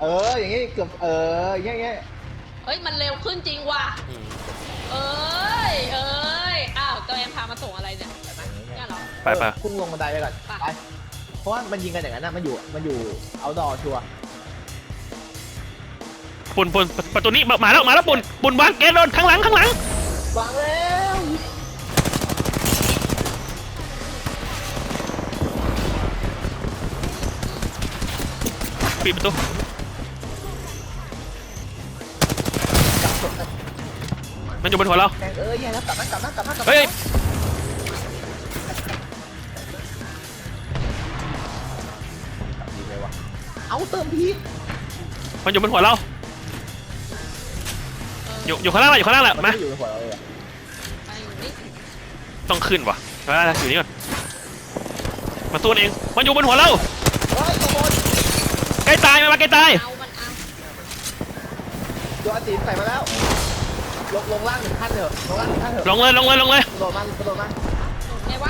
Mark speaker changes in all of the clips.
Speaker 1: อย่างงี้เกือบอย่างเงี้ย
Speaker 2: เฮ้ยมันเร็วขึ้นจริงว่ะเอ้ยอ้าวตัวเองพามาส่งอะไรเนี่ยเนี่ยเหรอ
Speaker 3: ไป
Speaker 1: พุ่งลงบันไดไปก่อนไปเพราะว่ามันยิงกันอย่างนั้นนะมันอยู่เอาดอชัวร์
Speaker 3: ปุ่นประตูนี้มาแล้วปุ่นวางเกตโดนข้างหลัง
Speaker 1: วางแล้ว
Speaker 3: ปิดประตูมันอยู่บนหัวเรา
Speaker 1: แย่แล้วกลับมา
Speaker 3: เฮ้ย
Speaker 1: ดีเลยวะเอาเติมพี
Speaker 3: มันอยู่บนหัวเราอยู่ข้างล่างแหละมา
Speaker 1: อยู่บนหัวเราเลย
Speaker 3: ต้องขึ้นวะอยู่นี่ก่อนมาสู้เองมันอยู่บนหัวเราใกล้ตายมาใกล้ตาย
Speaker 1: ตัวตีนใส่มาแล้วลงล่าง1 ขั้นเถอะ
Speaker 3: ลงเลย
Speaker 1: โดดมา
Speaker 2: ไงวะ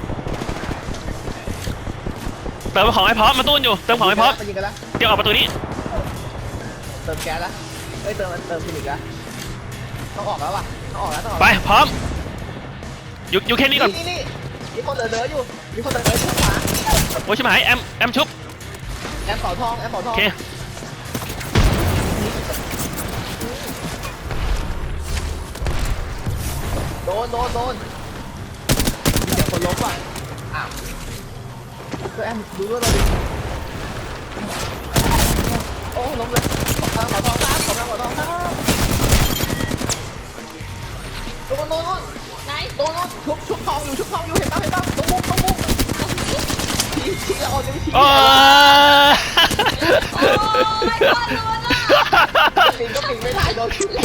Speaker 3: เติมของให้พร้อมมาตู้อยู่เติมของให้พร้อมเดี๋ยวออกประตูนี้
Speaker 1: เติมแก๊สแล้วเติมฟินิกแล้วต้องออกแล้ว
Speaker 3: ไปพร้อมอยู่แค่นี้ก่อน
Speaker 1: นี่มีคนเดินอยู่ชุบขวา
Speaker 3: โอ้ยใช่ไหมแอมชุบ
Speaker 1: แอมเป่าทอง
Speaker 3: โอเค
Speaker 1: โดนมีแต่คนล้มว่ะอ้าวแอมดูด้วยเราดิโอ้ล้มเลยขอทองครับโดน
Speaker 2: ไหน
Speaker 1: โดนชุบทองอยู่เห็นป่ะตรงมุกชี้แล้วเอาจะไม่ชี้
Speaker 3: โอ้
Speaker 2: ย
Speaker 1: ปิงก็ปิงไม่ได้โดนชุบ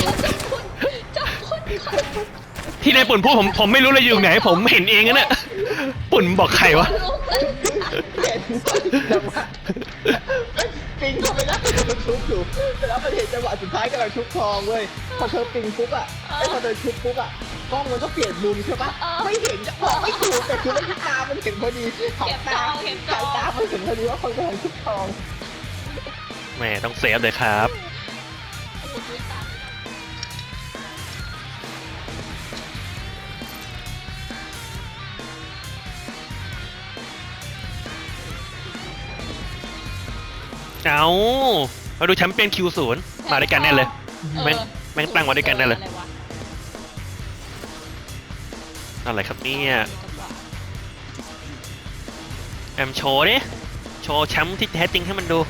Speaker 3: ที่ในปุ่นพูดผมไม่รู้เลยอยู่ไหนผมเห็นเองนะเนี่ยปุ่นบอกใครวะ
Speaker 1: เห็นจังหวะปิงก็ไม่ได้โดนชุบอยู่แล้วมันเห็นจังหวะสุดท้ายกำลังชุบทองเว้ยพอเธอปิงปุ๊บอะพอเธอชุบปุ๊บอะกล้องมันก็เปลี่ยนมุมใช่ปะไม่เห็นบอกไม่ถูกแต่คือมันตามันเห็นพอดีสายตามันเห็นพอดีว่าคนกำลังชุบทอง
Speaker 3: แหมต้องเซฟเลยครับเอามาดูแชมเปี้ยนQ0มาด้วยกันแน่เลยแม่งตั้งมาด้วยกันแน่เลยอะไรครับเนี่ยแอมโชว์ดิโชว์แชมป์ที่แท้จริงให้มันดู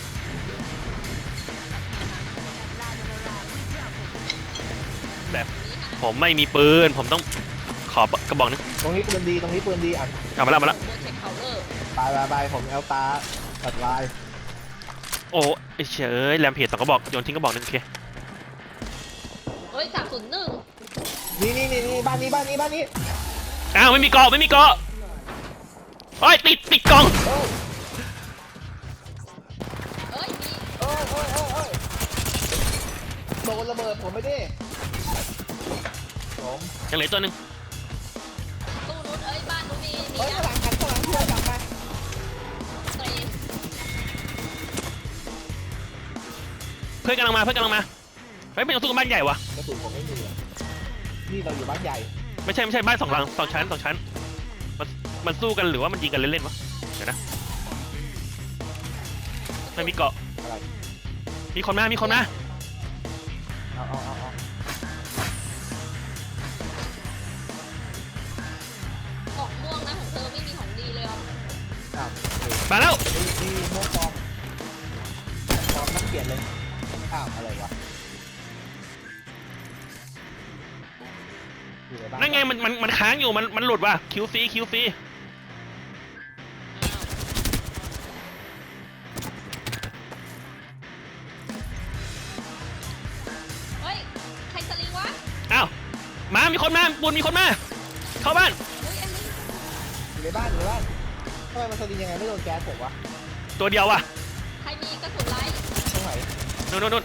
Speaker 3: แบบผมไม่มีปืนผมต้องขอกระบอกนึง
Speaker 1: ตรงนี้ปืนดีอ่ะ
Speaker 3: เอามาแล้ว
Speaker 1: ไปผมเอาตาตัดลาย
Speaker 3: โอ้เฉยแรมเพจ2กระบอกโยนทิ้งกระบอกนึงโอเค
Speaker 2: เฮ้ย301
Speaker 1: นี่บ้านนี้
Speaker 3: อ้าวไม่มีเกาะโอ้ยติดกล่อง
Speaker 1: โดนระเบิดผมไม่ได้
Speaker 3: ยังเหลือตัวนึง
Speaker 2: ตู้นู้นบ้านนู้นมี
Speaker 1: ข้างหลังเพื่อนกลับมา
Speaker 3: เพื่อนกำลังมาไปเป็นตู้กับบ้านใหญ่วะ
Speaker 1: กระสุนผมไม่มีนี่เราอยู่บ้านใหญ่
Speaker 3: ไม่ใช่บ้าน2 หลัง2 ชั้นมันสู้กันหรือว่ามันยิงกันเล่นๆวะเดี๋ยวนะไม่มีเกาะมีคนมา
Speaker 1: เอา
Speaker 2: ของม่วงนะของเธอไม่มีของดีเลย
Speaker 3: มาแล้ว
Speaker 1: มีม่วงฟองต้องเปลี่ยนเลยอะไรวะ
Speaker 3: นั่นไงมันค้างอยู่มันหลุดว่ะคิวซี
Speaker 2: เฮ้ยใครสลิงวะ
Speaker 3: อ้าวมีคนมาบุญมีคนมาเข้าบ้าน
Speaker 1: อยู่ในบ้านทำไมมันสลิงยังไงไม่โดนแก๊สผมวะ
Speaker 3: ตัวเดียวว่ะ
Speaker 2: ใครมีกระสุนไล่
Speaker 1: ตรงไหน
Speaker 3: นู่น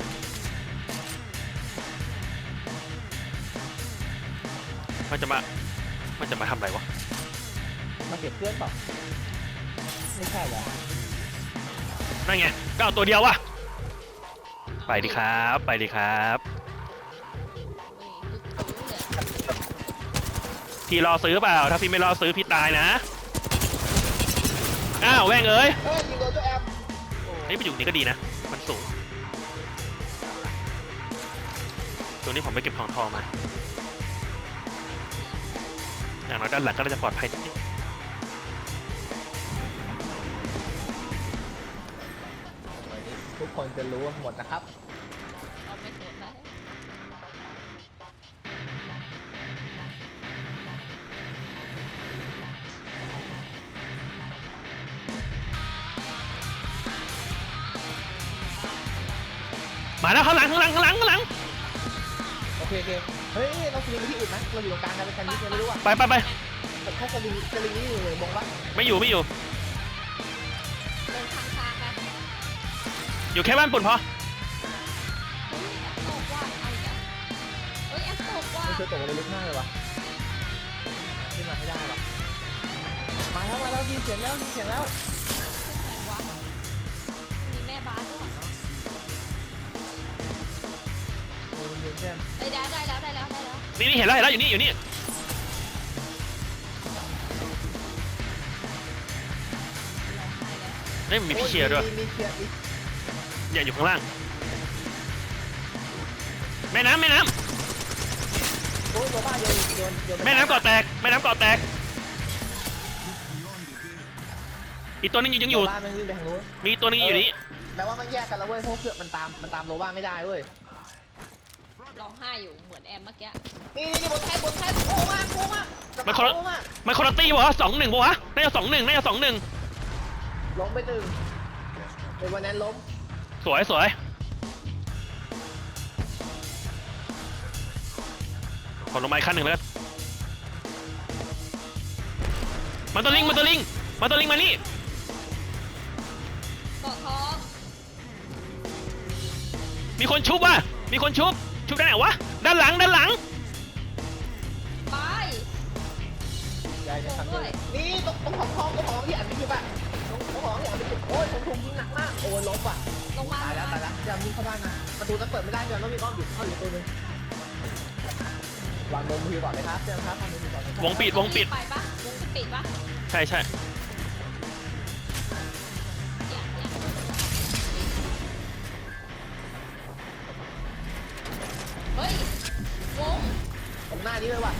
Speaker 3: มันจะมาทำอะไรวะ
Speaker 1: มาเก็บเพื่อนเปล่าไม่ใช่เหรอ
Speaker 3: นั่นไงก็เอาตัวเดียววะไปดีครับไปดีครับ พี่รอซื้อเปล่าถ้าพี่ไม่รอซื้อพี่ตายนะอ้าวแว่งเอ้ย
Speaker 1: เฮ้ยยิงโดนเจ้าแอม
Speaker 3: เฮ้ยไปอยู่นี่ก็ดีนะมันสูงตรงนี้ผมไปเก็บของทองมาอย่างน้อยด้านหลังก็น่าจะปลอดภัยนิดนึง
Speaker 1: ทุกคนจะรู้หมดนะครับ
Speaker 2: เอาไม่สนแล้ว
Speaker 3: มาแล้วข้างหลังข้างหลังข้างหลังข้างหลัง
Speaker 1: โอเคโอเคเฮ้ยเราสลิงไปที่อื่นไหมเราอยู่ตรงกลางกันเป็นกันนิดเดียวไม่รู้อ่ะ
Speaker 3: ไปไปไป
Speaker 1: แต่ถ้าสลิงนี่อยู่เลยมองว่า
Speaker 3: ไม่อยู่ไม่อยู่
Speaker 2: เดินทางไป
Speaker 3: อยู่แค่บ้านปุ่นพอ
Speaker 2: เฮ้ยแอปตกว่ะเอาอีกแล้วเฮ้ยแอปตกว่ะ
Speaker 1: ไม่เคยตกอะไรลึกมากเลยวะขึ้นมาให้ได้วะมาแล้วยินเสียงแล้วยินเสียงแล้ว
Speaker 2: ไหนวะมีแม่บ้านด้วย
Speaker 1: โอ้ยยินเสียง
Speaker 2: เอ้ยได้แล้ว
Speaker 3: นี่นี่เห็นแล้วเห็นแล้วอยู่นี่อยู่นี่
Speaker 2: ร้องไห้แล้ว
Speaker 3: เฮ้ยมันมีพี่เชียร์ด้วย
Speaker 1: มีเชียร์อีก
Speaker 3: เนี่ยอยู่ข้างล่างแม่น้ำแม่น้
Speaker 1: โอ้ยโรบ้าโยน
Speaker 3: ำแม่น้ำเกาะแตกแม่น้ำเกาะแตกอีกตัวนึงยังอยู่
Speaker 1: โรบ้ามันวิ่งไปทางนู้น
Speaker 3: มีอีกตัวนึงอยู่นี่
Speaker 1: แปลว่ามันแยกกันแล้วเว้ยเพราะเสือกมันตามโรบ้าไม่ได้เว้ย
Speaker 2: ร้องไห้อยู่เหมือนแอมเมื่อกี้
Speaker 1: นี่บนแท้โอ้มากโอ้มาก
Speaker 3: มันคนละมันคนละตีวะ2-1ปะวะน่าจะ2-1น่าจะ2-1
Speaker 1: ล้มไปหนึ่งในวันนั้นล้ม
Speaker 3: สวยสวยขอลงมาอีกขั้นหนึ่งแล้วกันมันตัวลิงมันตัวลิงมันตัวลิงมานี่
Speaker 2: เกาะทอง
Speaker 3: มีคนชุบว่ะมีคนชุบด้านไหนวะด้านหลังด้านหลัง
Speaker 2: ไป
Speaker 1: ใหญ่จะทำด้วยนี่ตรงของที่อันนี้คือป่ะตรงของที่อันนี้คือโอ้ยผมยิงหนักมากโอ้ยล้มว่ะ
Speaker 2: ลงมา
Speaker 1: ตายแล้วอย่ามีเข้าบ้านนะประตูจะเปิดไม่ได้จะต้องมีอ้อมอยู่เข้าอยู่ตัวนึงวางบนมือก่อนเลยครับเจ้าครับวางมือก่อน
Speaker 3: วงปิดวงปิด
Speaker 2: ไปปะวงปิดปะ
Speaker 3: ใช่ใช่
Speaker 2: เฮ้ย วง
Speaker 1: ตรงหน้านี้เลยว่ะ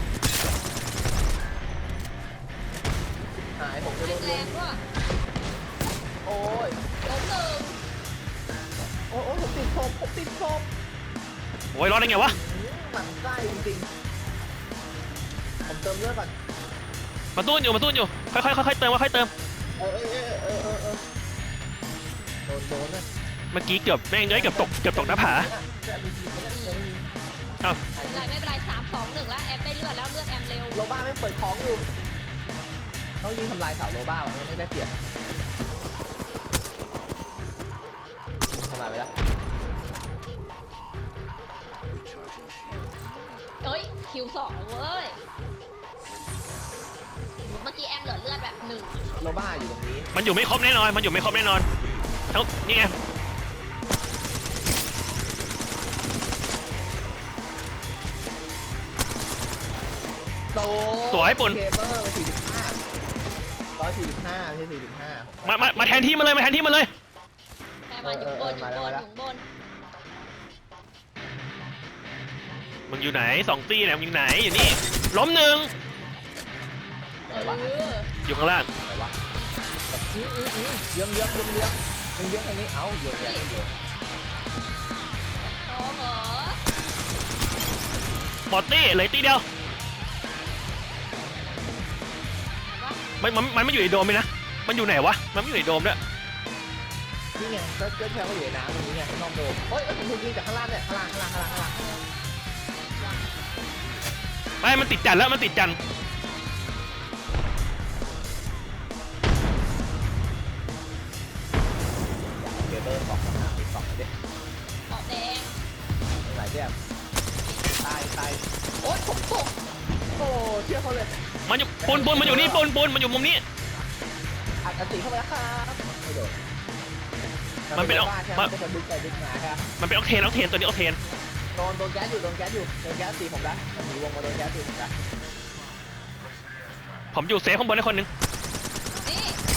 Speaker 1: หายผมจะโดน
Speaker 2: แรงว่ะ
Speaker 1: โอ้ย
Speaker 2: ล้มหนึ่ง
Speaker 1: โอ้ยผมติดศพ
Speaker 3: โอ้ยรอดได้ไงวะ
Speaker 1: หมันไส้จริงๆผมเติมเลือดก่อน
Speaker 3: มาตู้อยู่ค่อยๆเติมค่อยๆเติม
Speaker 1: เออโดนนะ
Speaker 3: เมื่อกี้เกือบแม่งเอ้ยเกือบตกหน้าผา
Speaker 1: จะมีทีมไม่ได้เลย
Speaker 3: เอ้า
Speaker 2: ไม่เป็นไร3-2-1แล้วแอมได้เลือดแล้วเลือดแอมเร็ว
Speaker 1: โรบ้าไม่เปิดของอยู่เขายิงทำลายเสาโรบ้าว่ะไม่ได้เปรียบทำลายไปแล้ว
Speaker 2: เฮ้ยคิว2เว้ย เมื่อกี้แอมเหลือเลือดแบบ1
Speaker 1: โรบ้าอยู่ตรงนี้
Speaker 3: มันอยู่ไม่ครบแน่นอนมันอยู่ไม่ครบแน่นอนทั้งนี่ไง
Speaker 1: โต
Speaker 3: สวยปุ่น
Speaker 1: เคเบิล145ไม่ใช่45
Speaker 3: มาแทนที่มาเลยมาแทนที่มาเลย
Speaker 2: แอมมาอยู่บนอยู่บน
Speaker 3: มึงอยู่ไหน2ตีเนี่ยมึงอยู่ไหนอยู่นี่ล้มหนึ่ง
Speaker 1: อะไรวะ
Speaker 3: อยู่ข้างล่าง
Speaker 1: อะไรวะเยื้องทางนี้เอ้าเยื้อง
Speaker 2: โอ้โห
Speaker 3: หมดตีเลยตีเดียวมันไม่อยู่ในโดมเลยนะมันอยู่ไหนวะมันไม่อยู่ในโดมด้วย
Speaker 1: นี่ไงก็แค่ว่าอยู่ในน้ำตรงนี้ไงนอกโดมเฮ้ยผมถูกยิงจากข้างล่างเนี่ยข้างล่าง
Speaker 3: ไม่มันติดจันแล้วมันติดจัน
Speaker 1: เคเบิล2ไปดิ
Speaker 2: เกาะแดง
Speaker 1: หลายแบบตายโอ๊ยผมตกโอ้เชื่อเขาเลย
Speaker 3: มันอยู่ปูนมันอยู่นี่ปูนมันอยู่มุมนี้
Speaker 1: อัดตีเข้าไปแล้วครับไม่โดน
Speaker 3: มันเป็น
Speaker 1: บ้าใช่ไหม
Speaker 3: มัน
Speaker 1: เป็นคนดึงไปดึงมาครับ
Speaker 3: มันเป็นออกเทนตัวนี้ออกเทน
Speaker 1: โดนแก๊สอยู่โดนแก๊สตีผมละมันหนีวงมาโดนแก๊สตีผมละ
Speaker 3: ผมอยู่เซฟข้างบนได้คนหนึง
Speaker 2: นี่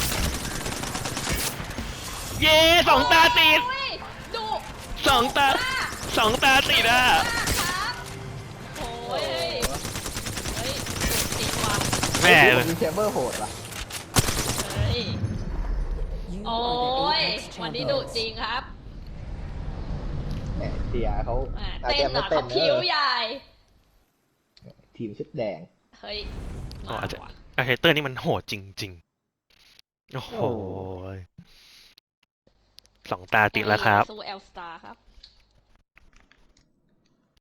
Speaker 3: เย้สองตาติด
Speaker 2: โอ้ยดุ
Speaker 3: สองตาติดอ่ะ
Speaker 2: ครับโอ้ยเฮ้ยดุจริงว่ะ
Speaker 3: แม่
Speaker 1: มีแชมเบอร์โหดว่ะ
Speaker 2: เฮ้ยโอ้ยวันนี้ดุจริงครับ
Speaker 1: แหมเสียเขา
Speaker 2: แหม
Speaker 1: อาจ
Speaker 2: เต้น
Speaker 1: จะ
Speaker 2: เหร
Speaker 1: ไม่
Speaker 2: อ
Speaker 1: เต้
Speaker 2: เขา
Speaker 1: น
Speaker 2: คิ้วใหญ่
Speaker 1: ทีมชุดแดง
Speaker 2: เฮ้ย
Speaker 3: อ๋อ
Speaker 2: มา
Speaker 3: อาจจะ
Speaker 2: ว่ะ
Speaker 3: อาเทเตอร์นี่มันโหดจริงๆโอ้โห
Speaker 1: โอ้
Speaker 3: สองตาติดแล้วครับ
Speaker 2: สู้เอลสตาร์ครับ